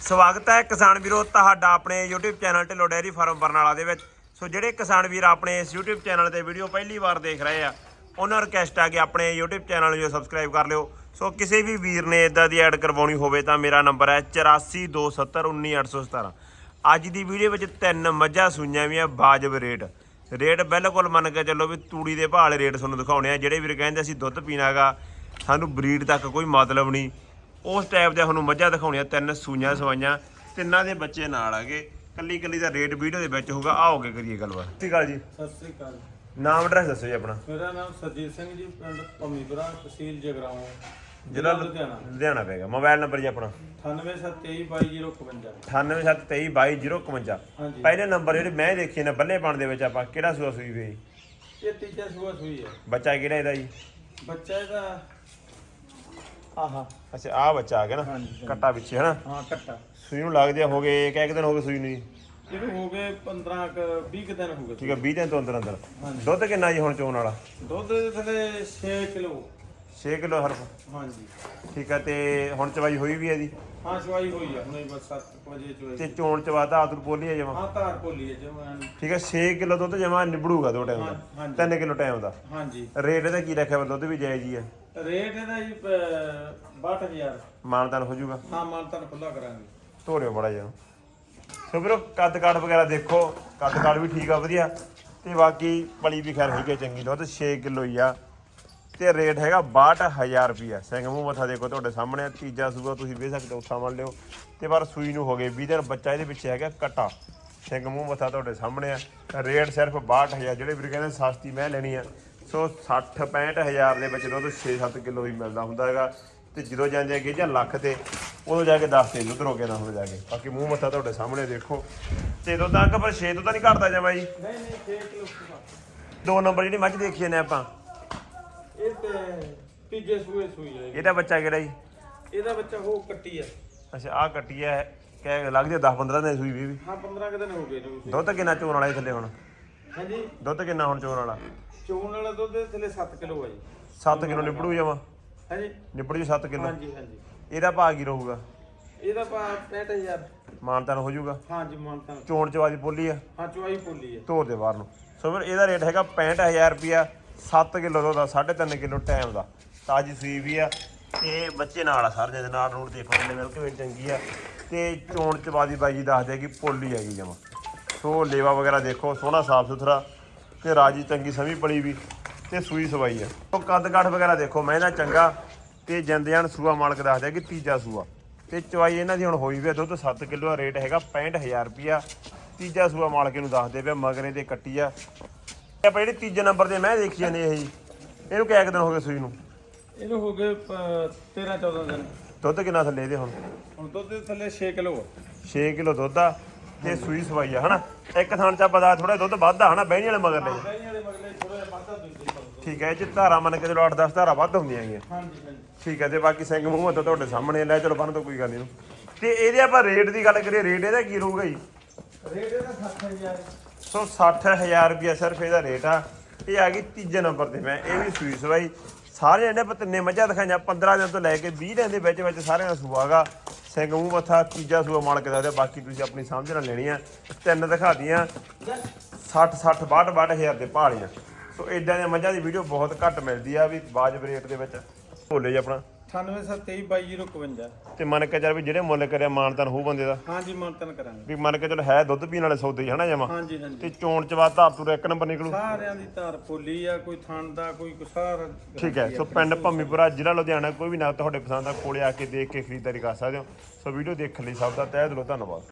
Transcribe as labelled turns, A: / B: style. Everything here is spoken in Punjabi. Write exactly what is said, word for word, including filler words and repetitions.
A: ਸਵਾਗਤ ਹੈ ਕਿਸਾਨ ਵੀਰੋ ਤੁਹਾਡਾ ਆਪਣੇ YouTube channel Dhillon dairy farm Barnala ਦੇ ਵਿੱਚ। ਸੋ ਜਿਹੜੇ ਕਿਸਾਨ ਵੀਰ ਆਪਣੇ ਇਸ YouTube ਚੈਨਲ ਤੇ ਵੀਡੀਓ ਪਹਿਲੀ ਵਾਰ ਦੇਖ ਰਹੇ ਆ ਉਹਨਾਂ ਨੂੰ ਰਿਕਵੈਸਟ ਆ ਕਿ ਆਪਣੇ YouTube ਚੈਨਲ ਨੂੰ ਸਬਸਕ੍ਰਾਈਬ ਕਰ ਲਿਓ। ਸੋ ਕਿਸੇ ਵੀ ਵੀਰ ਨੇ ਇਦਾਂ ਦੀ ਐਡ ਕਰਵਾਉਣੀ ਹੋਵੇ ਤਾਂ ਮੇਰਾ ਨੰਬਰ ਹੈ ਚੁਰਾਸੀ ਦੋ ਸੱਤਰ ਉੱਨੀ ਅੱਠ ਸੌ ਸਤਾਰਾਂ। ਅੱਜ ਦੀ ਵੀਡੀਓ ਵਿੱਚ ਤਿੰਨ ਮੱਝਾਂ ਸੂਈਆਂ ਵੀਆਂ ਵਾਜਬ ਰੇਟ ਰੇਟ ਬਿਲਕੁਲ ਮੰਨ ਕੇ ਚੱਲੋ ਵੀ ਤੂੜੀ ਦੇ ਭਾਅ ਵਾਲੇ ਰੇਟ ਤੁਹਾਨੂੰ ਦਿਖਾਉਣੇ ਆ। ਜਿਹੜੇ ਵੀਰ ਕਹਿੰਦੇ ਅਸੀਂ ਦੁੱਧ ਪੀਣਾ ਗਾ ਸਾਨੂੰ ਬਰੀਡ ਤੱਕ ਕੋਈ ਮਤਲਬ ਨਹੀਂ, ਉਸ ਟਾਈਪ ਦੇ ਤੁਹਾਨੂੰ ਮੱਝਾਂ ਦਿਖਾਉਣੀਆਂ। ਤਿੰਨ ਸੂਈਆਂ ਸਵਾਈਆਂ, ਤਿੰਨਾਂ ਦੇ ਬੱਚੇ ਨਾਲ ਆਗੇ। ਕੱਲੀ ਕੱਲੀ ਦਾ ਰੇਟ ਵੀਡੀਓ ਦੇ ਵਿੱਚ ਹੋਊਗਾ। ਆਓਗੇ ਕਰੀਏ ਗੱਲਬਾਤ। ਸਤਿ ਸ਼੍ਰੀ ਅਕਾਲ ਜੀ।
B: ਸਤਿ ਸ੍ਰੀ ਅਕਾਲ।
A: ਨਾਮ ਐਡਰੈਸ ਦੱਸੋ ਜੀ ਆਪਣਾ।
B: ਮੇਰਾ ਨਾਮ ਸਰਜੀਤ ਸਿੰਘ ਜੀ, ਪਿੰਡ ਭੰਮੀਪੁਰਾ, ਤਹਿਸੀਲ ਜਗਰਾਉਂ,
A: ਜ਼ਿਲ੍ਹਾ ਲੁਧਿਆਣਾ ਲੁਧਿਆਣਾ ਪੈਗਾ। ਮੋਬਾਈਲ ਨੰਬਰ ਜੀ ਆਪਣਾ
B: ਅਠਾਨਵੇਂ ਸੱਤ ਤੇਈ ਬਾਈ ਜ਼ੀਰੋ ਇਕਵੰਜਾ।
A: ਅਠਾਨਵੇਂ ਸੱਤ ਤੇਈ ਬਾਈ ਜ਼ੀਰੋ ਇਕਵੰਜਾ।
B: ਹਾਂਜੀ।
A: ਪਹਿਲੇ ਨੰਬਰ ਜਿਹੜੇ ਮੈਂ ਦੇਖੇ ਨੇ ਬੱਲੇ ਪਾਣ ਦੇ ਵਿੱਚ ਆਪਾਂ ਕਿਹੜਾ ਸੂਆ ਸੂਈ ਵੇ?
B: ਇਹ ਤੀਜਾ ਸੂਆ ਸੂਈ ਹੈ।
A: ਬੱਚਾ ਕਿਹੜਾ ਇਹਦਾ ਜੀ?
B: ਬੱਚਾ ਇਹਦਾ ਆਹਾ।
A: ਅੱਛਾ ਆਹ ਬੱਚਾ ਆ ਗਿਆ ਨਾ,
B: ਹਾਂਜੀ।
A: ਕੱਟਾ ਪਿੱਛੇ ਹਨਾ।
B: ਹਾਂ ਕੱਟਾ।
A: ਸੂਈ ਨੂੰ ਲੱਗਦੇ ਹੋ ਗਏ ਕਿਹ ਦਿਨ ਹੋ ਗਏ ਸੂਈ ਨੂੰ ਜੀ?
B: ਇਹਨੂੰ ਹੋ ਗਏ ਪੰਦਰਾਂ ਕੁ ਵੀਹ ਕੁ ਦਿਨ ਹੋ ਗਏ।
A: ਠੀਕ ਹੈ, ਵੀਹ ਦਿਨ ਤੋਂ ਅੰਦਰ ਅੰਦਰ।
B: ਹਾਂਜੀ।
A: ਦੁੱਧ ਕਿੰਨਾ ਜੀ ਹੁਣ ਚੋਣ ਵਾਲਾ?
B: ਦੁੱਧ ਦੇ ਥੱਲੇ ਛੇ ਕਿਲੋ।
A: ਛੇ ਕਿਲੋ ਹਰਫ।
B: ਹਾਂਜੀ।
A: ਠੀਕ ਹੈ, ਤੇ ਹੁਣ ਚਵਾਈ ਹੋਈ ਵੀ ਹੈ ਜੀ?
B: ਹਾਂ ਚਵਾਈ ਹੋਈ ਆ ਹੁਣੇ ਬਸ ਸੱਤ ਵਜੇ
A: ਤੇ
B: ਚਵਾਈ।
A: ਚੋਣ ਚਵਾ ਤਾਂ ਆਤਰ ਬੋਲੀ ਹੈ ਜਮਾ?
B: ਹਾਂ ਧਾਰ ਭੋਲੀ ਹੈ ਜਮਾਂ।
A: ਠੀਕ ਹੈ, ਛੇ ਕਿਲੋ ਦੁੱਧ ਜਮਾ ਨਿਬੜੂਗਾ ਦੋ ਟਾਈਮ ਦਾ।
B: ਹਾਂਜੀ।
A: ਤਿੰਨ ਕਿਲੋ ਟਾਈਮ ਦਾ।
B: ਹਾਂਜੀ।
A: ਰੇਟ ਇਹਦਾ ਕੀ ਰੱਖਿਆ ਵਾ? ਦੁੱਧ ਵੀ ਜਾਇਜ਼ ਹੀ ਹੈ?
B: ਰੇਟ ਇਹਦਾ ਜੀ ਬਾਹਠ ਹਜ਼ਾਰ।
A: ਮਾਨਤਾਨ ਹੋ ਜਾਊਗਾ?
B: ਹਾਂ ਮਾਨਤਾਨ ਖੁੱਲਾ ਕਰਾਂਗੇ।
A: ਧੋਰਿਓ ਬੜਾ ਜਿਹਾ। ਸੋ ਵੀਰੋ ਕੱਦ ਕਾਠ ਵਗੈਰਾ ਦੇਖੋ, ਕੱਦ ਕਾਠ ਵੀ ਠੀਕ ਆ ਵਧੀਆ, ਤੇ ਬਾਕੀ ਪਲੀ ਵੀ ਖੈਰ ਹੈਗੀ ਚੰਗੀ। ਦੁੱਧ ਛੇ ਕਿਲੋ ਹੀ ਆ ਤੇ ਰੇਟ ਹੈਗਾ ਬਾਹਠ ਹਜ਼ਾਰ ਰੁਪਈਆ। ਸਿੰਘ ਮੂੰਹ ਮੱਥਾ ਦੇਖੋ ਤੁਹਾਡੇ ਸਾਹਮਣੇ। ਤੀਜਾ ਸੂਆ ਤੁਸੀਂ ਵੇਖ ਸਕਦੇ ਹੋ, ਸਾਂਭ ਲਿਓ। ਤੇ ਪਰ ਸੂਈ ਨੂੰ ਹੋ ਗਏ ਵੀਹ ਦਿਨ। ਬੱਚਾ ਇਹਦੇ ਪਿੱਛੇ ਹੈਗਾ ਕੱਟਾ। ਸਿੰਘ ਮੂੰਹ ਮੱਥਾ ਤੁਹਾਡੇ ਸਾਹਮਣੇ ਆ। ਰੇਟ ਸਿਰਫ ਬਾਹਠ ਹਜ਼ਾਰ। ਜਿਹੜੇ ਵੀਰ ਕਹਿੰਦੇ ਸਸਤੀ ਮੈਂ ਲੈਣੀ ਆ, ਸੋ ਸੱਠ ਪੈਂਹਠ ਹਜ਼ਾਰ ਦੇ ਵਿੱਚ ਦੁੱਧ ਛੇ ਸੱਤ ਕਿਲੋ ਹੀ ਮਿਲਦਾ ਹੁੰਦਾ ਹੈਗਾ। ਤੇ ਜਦੋਂ ਜਾਂਦੇ ਅੱਗੇ ਜਾਂ ਲੱਖ ਤੇ ਉਦੋਂ ਜਾ ਕੇ ਦੱਸ ਦੇ ਦੁੱਧ ਰੋਕੇ ਨਾ ਹੁਣ ਜਾ ਕੇ। ਬਾਕੀ ਮੂੰਹ ਮੱਥਾ ਤੁਹਾਡੇ ਸਾਹਮਣੇ ਦੇਖੋ। ਤੇ ਦੁੱਧ ਅੰਕ ਪਰ ਛੇ ਤੋਂ ਤਾਂ ਨਹੀਂ ਘਟਦਾ ਜਮਾ ਜੀ?
B: ਨਹੀਂ ਨਹੀਂ ਛੇ ਕਿਲੋ।
A: ਦੋ ਨੰਬਰ ਜਿਹੜੀ ਮੱਝ ਦੇਖੀ ਨੇ ਆਪਾਂ,
B: ਇਹ ਤੇ ਤੀਜੇ ਸੂਏ ਸੂਈ ਹੈ।
A: ਇਹਦਾ ਬੱਚਾ ਕਿਹੜਾ ਜੀ?
B: ਇਹਦਾ ਬੱਚਾ ਉਹ ਕੱਟੀ ਆ।
A: ਅੱਛਾ ਆਹ ਕੱਟੀ ਹੈ, ਕਹਿ ਲੱਗਦੀ ਦਸ ਪੰਦਰਾਂ ਦਿਨ ਸੂਈ ਵੀ।
B: ਹਾਂ ਪੰਦਰਾਂ ਕੁ ਦਿਨ ਹੋ ਗਏ ਨੇ।
A: ਦੁੱਧ ਕਿੰਨਾ ਚੋਣ ਵਾਲਾ ਇਹ ਥੱਲੇ ਹੁਣ?
B: ਹਾਂਜੀ।
A: ਦੁੱਧ ਕਿੰਨਾ ਹੁਣ ਚੋਣ ਵਾਲਾ?
B: ਚੋਣ ਵਾਲਾ ਦੁੱਧ ਦੇ ਥੱਲੇ ਸੱਤ ਕਿਲੋ ਆ ਜੀ।
A: ਸੱਤ ਕਿਲੋ ਨਿਬੜੂ ਜਾਵਾ?
B: ਹਾਂਜੀ
A: ਨਿਬੜ ਜੂ ਸੱਤ ਕਿਲੋ।
B: ਹਾਂਜੀ ਹਾਂਜੀ।
A: ਇਹਦਾ ਭਾਅ ਕੀ ਰਹੂਗਾ?
B: ਇਹਦਾ ਪਾ ਪੈਂਹਠ ਹਜ਼ਾਰ।
A: ਮਾਨਤਾਨ ਹੋ ਜਾਊਗਾ?
B: ਹਾਂਜੀ ਮਾਨਤਾਨ।
A: ਚੋਣ ਚਵਾਦੀ ਬੋਲੀ ਆ?
B: ਹਾਂ ਚਵਾਈ ਪੋਲੀ ਹੈ।
A: ਧੋਰ ਦੇ ਬਾਹਰ ਨੂੰ। ਸੋ ਫਿਰ ਇਹਦਾ ਰੇਟ ਹੈਗਾ ਪੈਂਹਠ ਹਜ਼ਾਰ ਰੁਪਈਆ। ਸੱਤ ਕਿਲੋ ਦੁੱਧ ਦਾ, ਸਾਢੇ ਤਿੰਨ ਕਿਲੋ ਟਾਈਮ ਦਾ, ਤਾਜੀ ਸੂਈ ਵੀ ਆ। ਤੇ ਬੱਚੇ ਨਾਲ ਆ ਸਾਰੇ ਦੇ ਨਾਲ ਰੂਟ ਦੇਖੋ ਕਿੰਨੇ ਮਿਲ ਕੇ ਚੰਗੀ ਆ। ਤੇ ਚੋਣ ਚਵਾਦੀ ਬਾਈ ਜੀ ਦੱਸਦੇ ਕਿ ਪੋਲੀ ਹੈਗੀ ਜਮਾ। ਸੋ ਲੇਵਾ ਵਗੈਰਾ ਦੇਖੋ ਸੋਹਣਾ ਸਾਫ ਸੁਥਰਾ ਤੇ ਰਾਜੀ ਚੰਗੀ ਸਮੀ ਪਲੀ ਵੀ ਤੇ ਸੂਈ ਸਵਾਈ ਆ। ਸੋ ਕੱਦ ਕਾਠ ਵਗੈਰਾ ਦੇਖੋ ਮਹਿੰਦਾ ਚੰਗਾ ਤੇ ਜੰਦਿਆਣ ਸੂਆ ਮਾਲਕ ਦੱਸਦਾ ਕਿ ਤੀਜਾ ਸੂਆ। ਤੇ ਚਵਾਈ ਇਹਨਾਂ ਦੀ ਹੁਣ ਹੋਈ ਵੀ ਆ। ਦੁੱਧ ਸੱਤ ਕਿਲੋ ਦਾ ਰੇਟ ਹੈਗਾ ਪੈਂਹਠ ਹਜ਼ਾਰ ਰੁਪਈਆ। ਤੀਜਾ ਸੂਆ ਮਾਲਕ ਨੂੰ ਦੱਸਦੇ ਪਿਆ। ਮਗਰੇ ਤੇ ਕੱਟੀ ਆ ਆਪਾਂ। ਜਿਹੜੀ ਤੀਜੇ ਨੰਬਰ ਤੇ ਮੈਂ ਦੇਖੀ ਜਾਂਦੇ ਇਹ ਜੀ, ਇਹਨੂੰ ਕਿੰਨੇ ਦਿਨ ਹੋ ਗਏ ਸੂਈ ਨੂੰ?
B: ਇਹਨੂੰ ਹੋ ਗਏ ਤੇਰਾਂ ਚੌਦਾਂ ਦਿਨ।
A: ਦੁੱਧ ਕਿੰਨਾ ਥੱਲੇ ਇਹਦੇ ਹੁਣ?
B: ਹੁਣ ਦੁੱਧ ਦੇ ਥੱਲੇ ਛੇ ਕਿਲੋ ਆ।
A: ਛੇ ਕਿਲੋ ਦੁੱਧ ਆ ਤੇ ਸੂਈ ਸਵਾਈ ਆ ਹਨਾ। ਇੱਕ ਥਾਂ ਚ ਪਤਾ ਥੋੜਾ ਦੁੱਧ ਵੱਧ ਆ ਹਨਾ, ਬਹਿਣੀ ਵਾਲੇ ਮਗਰ ਲਈ।
B: ਬਹਿਣੀ ਵਾਲੇ ਮਗਲੇ ਥੋੜਾ ਜਿਹਾ ਵੱਧਦਾ ਦੁੱਧ।
A: ਠੀਕ ਹੈ, ਇਹ ਚ ਧਾਰਾ ਮੰਨ ਕੇ ਚਲੋ ਅੱਠ ਦਸ ਧਾਰਾ ਵੱਧ ਹੁੰਦੀਆਂ ਹੈਗੀਆਂ।
B: ਹਾਂਜੀ ਹਾਂਜੀ।
A: ਠੀਕ ਹੈ, ਤੇ ਬਾਕੀ ਸਿੰਘ ਮੂੰਹ ਤਾਂ ਤੁਹਾਡੇ ਸਾਹਮਣੇ ਲੈ। ਚਲੋ ਬੰਨ ਤੋਂ ਕੋਈ ਗੱਲ ਨਹੀਂ। ਤੇ ਇਹਦੇ ਆਪਾਂ ਰੇਟ ਦੀ ਗੱਲ ਕਰੀਏ, ਰੇਟ ਇਹਦਾ ਕੀ ਰਹੂਗਾ ਜੀ?
B: ਰੇਟ ਇਹਦਾ ਸੱਠ ਹਜ਼ਾਰ।
A: ਸੋ ਸੱਠ ਹਜ਼ਾਰ ਰੁਪਇਆ ਸਿਰਫ ਇਹਦਾ ਰੇਟ ਆ। ਇਹ ਆ ਗਈ ਤੀਜੇ ਨੰਬਰ ਤੇ। ਮੈਂ ਇਹ ਵੀ ਸੂਈ ਸਵਾਈ ਸਾਰੇ ਇਹਨੇ ਪਰ ਤਿੰਨੇ ਮੱਝਾਂ ਦਿਖਾਈਆਂ। ਪੰਦਰਾਂ ਦਿਨ ਤੋਂ ਲੈ ਕੇ ਵੀਹ ਦਿਨ ਦੇ ਵਿੱਚ ਵਿੱਚ ਸਾਰਿਆਂ ਦਾ ਸੂਆ ਗਾ। ਸਿੰਘ ਮੂੰਹ ਮੱਥਾ ਤੀਜਾ ਸੂਆ ਮਾਲਕ ਦਾ। ਬਾਕੀ ਤੁਸੀਂ ਆਪਣੀ ਸਮਝ ਨਾਲ ਲੈਣੀ ਆ। ਤਿੰਨ ਦਿਖਾ ਦੀਆਂ ਸੱਠ ਸੱਠ ਬਾਹਠ ਬਾਹਠ ਹਜ਼ਾਰ ਦੇ ਭਾਲੀਆਂ। ਸੋ ਇਦਾਂ ਦੀਆਂ ਮੱਝਾਂ ਦੀ ਵੀਡੀਓ ਬਹੁਤ ਘੱਟ ਮਿਲਦੀ ਆ ਵੀ ਵਾਜਬ ਰੇਟ ਦੇ ਵਿੱਚ। ਭੋਲੇ ਜੀ ਆਪਣਾ
B: ਅਠਾਨਵੇਂ ਸੱਤ ਤੇਈ ਬਾਈ ਜ਼ੀਰੋ ਇਕਵੰਜਾ।
A: ਤੇ ਮੰਨ ਕੇ ਚੱਲ ਵੀ ਜਿਹੜੇ ਮੁੱਲ ਕਰਿਆ ਮਾਨਤਾਨ ਹੋ ਬੰਦੇ ਦਾ?
B: ਹਾਂਜੀ ਮਾਨਤਾਨ ਕਰਾਂਗੇ।
A: ਵੀ ਮੰਨ ਕੇ ਚਲੋ ਹੈ ਦੁੱਧ ਪੀਣ ਵਾਲੇ ਸੌਦੇ ਹੀ ਹਨਾ ਜਮਾ।
B: ਹਾਂਜੀ ਹਾਂਜੀ।
A: ਤੇ ਚੋਣ ਚਵਾ ਧਾਰ ਤੁਰ ਇੱਕ ਨੰਬਰ ਨਿਕਲੂ।
B: ਸਾਰਿਆਂ ਦੀ ਧਾਰ ਪੋਲੀ ਆ, ਕੋਈ ਥਣ ਦਾ ਕੋਈ ਕੁਸਾਰ।
A: ਠੀਕ ਹੈ, ਸੋ ਪਿੰਡ ਭੰਮੀਪੁਰਾ ਜ਼ਿਲ੍ਹਾ ਲੁਧਿਆਣਾ। ਕੋਈ ਵੀ ਨਾ ਤੁਹਾਡੇ ਪਸੰਦ ਦਾ ਕੋਲੇ ਆ ਕੇ ਦੇਖ ਕੇ ਖਰੀਦਦਾਰੀ ਕਰ ਸਕਦੇ ਹੋ। ਸੋ ਵੀਡੀਓ ਦੇਖਣ ਲਈ ਸਭ ਦਾ ਤਹਿ ਦਿਲੋਂ ਧੰਨਵਾਦ।